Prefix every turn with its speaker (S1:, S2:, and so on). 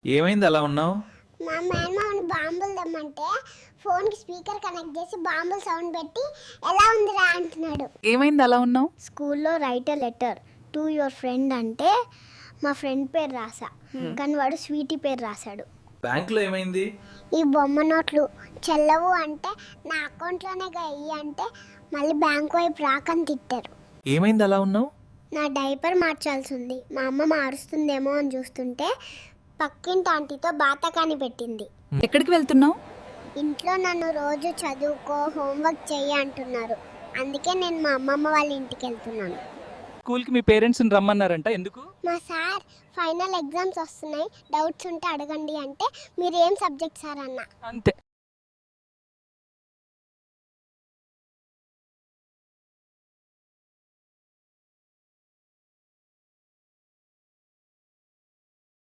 S1: ఏమైంది అలా ఉన్నావు?
S2: మా మేనమామని బాంబులు తెమ్మంటే ఫోన్కి స్పీకర్ కనెక్ట్ చేసి బాంబుల సౌండ్ పెట్టి ఎలా ఉందిరా అంటున్నాడు.
S3: ఏమైంది అలా ఉన్నావు?
S2: స్కూల్లో write a letter to your friend అంటే మా ఫ్రెండ్ పేరు రాసా, కానీ వాడు స్వీటీ పేరు రాశాడు.
S1: బ్యాంకులో ఏమైంది?
S2: ఈ బొమ్మ నోట్లు చెల్లవు అంటే నా అకౌంట్లోనే వెయ్యి అంటే మళ్ళీ బ్యాంక్ వైపు రాకని తిట్టారు.
S1: ఏమైంది అలా ఉన్నావు?
S2: నా డైపర్ మార్చాల్సి ఉంది. మా అమ్మ మారుస్తుందేమో అని చూస్తుంటే పక్కింటి ఆంటీతో బాతకాని పెట్టింది.
S3: ఎక్కడికి వెళ్తున్నావు?
S2: ఇంట్లో నన్ను రోజు చదువుకో, హోంవర్క్ చెయ్యి అంటున్నారు. అందుకే నేను మా అమ్మమ్మ వాళ్ళ ఇంటికి వెళ్తున్నాను.
S4: స్కూల్కి మీ పేరెంట్స్ని రమ్మన్నారంట, ఎందుకు?
S2: మా సార్ ఫైనల్ ఎగ్జామ్స్ వస్తున్నాయి, డౌట్స్ ఉంటే అడగండి అంటే మీరు ఏం సబ్జెక్ట్ సార్ అన్న.
S4: అంతే.